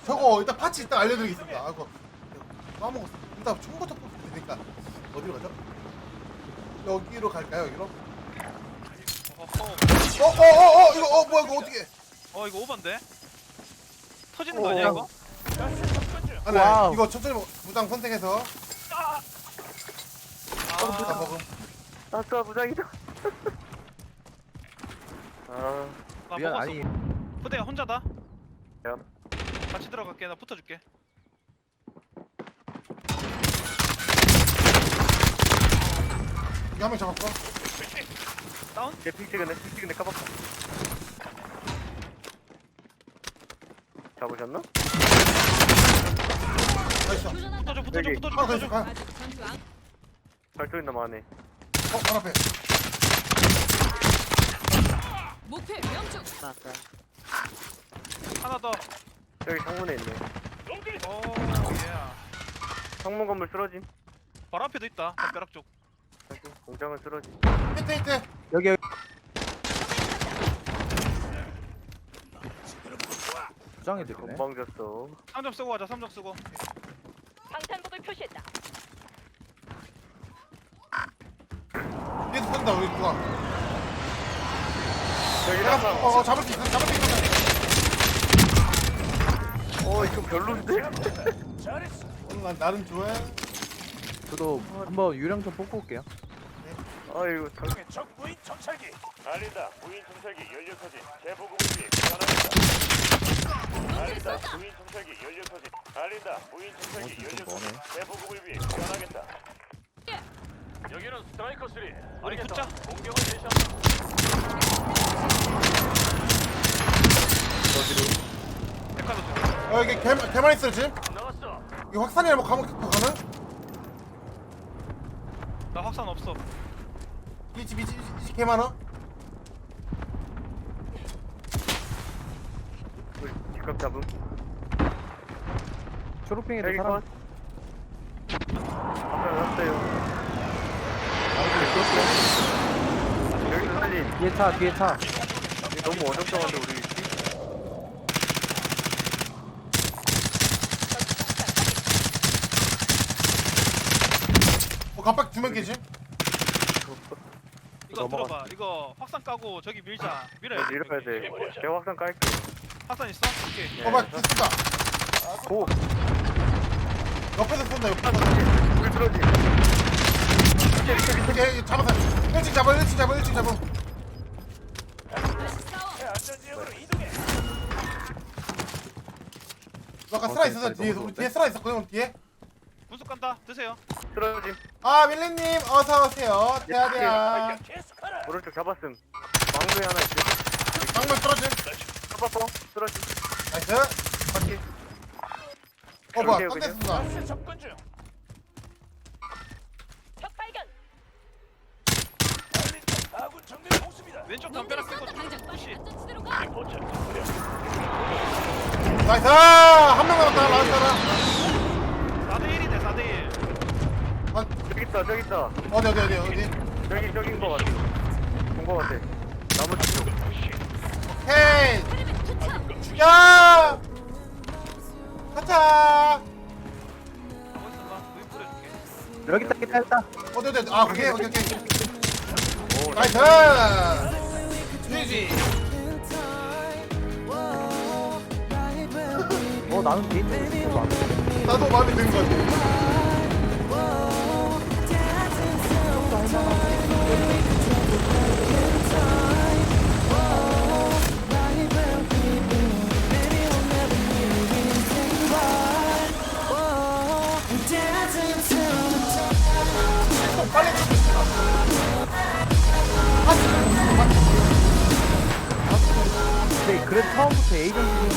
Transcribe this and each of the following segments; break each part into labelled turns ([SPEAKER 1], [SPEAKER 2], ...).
[SPEAKER 1] 저거 일단 파츠 일단 알려드리겠습니다. 아, 그거 까먹었어. 일단 총부터 뽑으면 되니까 어디로 가죠? 여기로 갈까요? 여기로? 이거 뭐야 이거 어떻게?
[SPEAKER 2] 이거 오반데? 터지는 거 아니야 이거?
[SPEAKER 1] 아니
[SPEAKER 3] 와우.
[SPEAKER 1] 이거 천천히 무장 선택해서 다
[SPEAKER 2] 아,
[SPEAKER 1] 먹음.
[SPEAKER 3] 아싸 무장이다. 아
[SPEAKER 2] 나
[SPEAKER 3] 미안
[SPEAKER 2] 먹었어.
[SPEAKER 3] 아니
[SPEAKER 2] 후대야 혼자다.
[SPEAKER 3] 야.
[SPEAKER 2] 같이 들어갈게. 나 붙어줄게.
[SPEAKER 1] 이거 한 명 잡았고.
[SPEAKER 2] 다운?
[SPEAKER 3] 픽 찍은데 까봤어. 잡으셨나?
[SPEAKER 1] 나이스.
[SPEAKER 2] 붙어줘.
[SPEAKER 3] 여기.
[SPEAKER 2] 붙어줘.
[SPEAKER 1] 가.
[SPEAKER 4] 아직 전투 안
[SPEAKER 3] 발소리 나마네.
[SPEAKER 1] 바로 앞에.
[SPEAKER 4] 목표 명중.
[SPEAKER 2] 하나 더.
[SPEAKER 3] 여기 창문에 있네.
[SPEAKER 2] 오, 예.
[SPEAKER 3] 창문 건물 쓰러짐.
[SPEAKER 2] 바로 앞에도 있다. 담벼락 쪽.
[SPEAKER 3] 공장은 쓰러짐.
[SPEAKER 1] 히트.
[SPEAKER 3] 여기
[SPEAKER 5] 부장이 되네.
[SPEAKER 3] 건방졌어.
[SPEAKER 2] 3점 쓰고 가자. 3점 쓰고.
[SPEAKER 4] 방탄복을 표시했다.
[SPEAKER 1] 뒤에서 쏜다 우리 누가.
[SPEAKER 3] 여기
[SPEAKER 1] 내가
[SPEAKER 3] 하나.
[SPEAKER 1] 잡을 수 있어.
[SPEAKER 3] 이거 별론데?
[SPEAKER 1] 오늘 난 나름 좋아해.
[SPEAKER 5] 저도 한번 유령 좀 뽑고 올게요.
[SPEAKER 3] 아이고
[SPEAKER 6] 적 무인 정찰기 알린다. 무인 정찰기 연료 터진 재보급을 위해 귀환합니다. 알린다. 무인 정찰기 연료 터진 알린다. 무인 정찰기
[SPEAKER 5] 좀
[SPEAKER 6] 연료
[SPEAKER 5] 머네.
[SPEAKER 6] 터진 재보급을 위해 귀환하겠다. 여기는 스트라이커 3.
[SPEAKER 2] 우리 붙자.
[SPEAKER 6] 공격을 개시한다.
[SPEAKER 2] 백화도 쪽.
[SPEAKER 1] 여기 개만 있어 지금.
[SPEAKER 6] 나왔어.
[SPEAKER 1] 이 확산이랑 뭐 가면 가는?
[SPEAKER 2] 나 확산 없어.
[SPEAKER 1] 이집 개 많아.
[SPEAKER 3] 뒷각 잡음.
[SPEAKER 5] 초록핑에도
[SPEAKER 3] 여기
[SPEAKER 5] 사람
[SPEAKER 3] 컷. 아까 났어요. 여기서 살린.
[SPEAKER 5] 뒤에 차.
[SPEAKER 3] 이게 너무 어정쩡한데 우리 위치?
[SPEAKER 1] 갑박 두명 깨지.
[SPEAKER 2] 이거 들어봐. 이거 확산 까고 저기 밀자. 밀어야 돼.
[SPEAKER 3] 이래야 돼. 제가 확산 깔게.
[SPEAKER 2] 확산 있어? 오케이.
[SPEAKER 1] 막 쏜다.
[SPEAKER 3] 고!
[SPEAKER 1] 옆에서 쏜다. 옆에서.
[SPEAKER 3] 우리 들어지.
[SPEAKER 1] 이렇게 잡았어. 일찍 잡아.
[SPEAKER 4] 다시 싸워.
[SPEAKER 6] 안전지역으로 이동해.
[SPEAKER 1] 너 아까 스라 있었어 뒤에. 우리 뒤에 스라 있었거든 뒤에.
[SPEAKER 2] 분수 간다. 드세요.
[SPEAKER 3] 쓰러짐.
[SPEAKER 1] 아 밀리님 어서 오세요. 대야대야.
[SPEAKER 6] 계속하라.
[SPEAKER 3] 오른쪽 잡았음. 막루에 하나 있지.
[SPEAKER 1] 방문 떨어짐.
[SPEAKER 3] 잡았어. 쓰러짐.
[SPEAKER 1] 나이스.
[SPEAKER 3] 바퀴.
[SPEAKER 1] 뭐야?
[SPEAKER 3] 여기요,
[SPEAKER 1] 떤데
[SPEAKER 3] 그냥.
[SPEAKER 1] 쏜다.
[SPEAKER 6] 가스 접근 중.
[SPEAKER 4] 적 발견.
[SPEAKER 6] 알린다. 아군 정밀 공습이다.
[SPEAKER 2] 왼쪽
[SPEAKER 4] 놈들이
[SPEAKER 2] 담벼락 끄고
[SPEAKER 4] 쏜다. 당장
[SPEAKER 2] 푸시.
[SPEAKER 4] 빨리 안전지대로 가.
[SPEAKER 6] 포착.
[SPEAKER 1] 나이스. 한 명 남았다. 나왔잖아.
[SPEAKER 2] 4대1이네 4대1.
[SPEAKER 3] 저기 있다.
[SPEAKER 1] 어디.
[SPEAKER 3] 저기인 거 같아. 본 거 같아. 나무 뒤쪽.
[SPEAKER 1] 헤이.
[SPEAKER 4] 테레비 투척.
[SPEAKER 1] 죽여. 가자.
[SPEAKER 2] 가고 있어봐. 무인 뿌려줄게.
[SPEAKER 5] 여기 있다.
[SPEAKER 1] 어디. 아 오케이.
[SPEAKER 3] 오,
[SPEAKER 1] 나이스. GG.
[SPEAKER 5] 나는 뒤에 있는 거 같아.
[SPEAKER 1] 나도 마음에 드는 것 같아. 빨리
[SPEAKER 5] 근데 그래도 처음부터 에이전트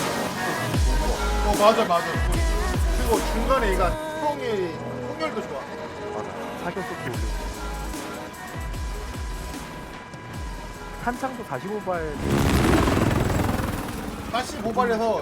[SPEAKER 1] 맞아. 그리고 중간에 얘가 통렬도 좋아.
[SPEAKER 5] 사격 속도 올려. 탄창도 45발
[SPEAKER 1] 45발에서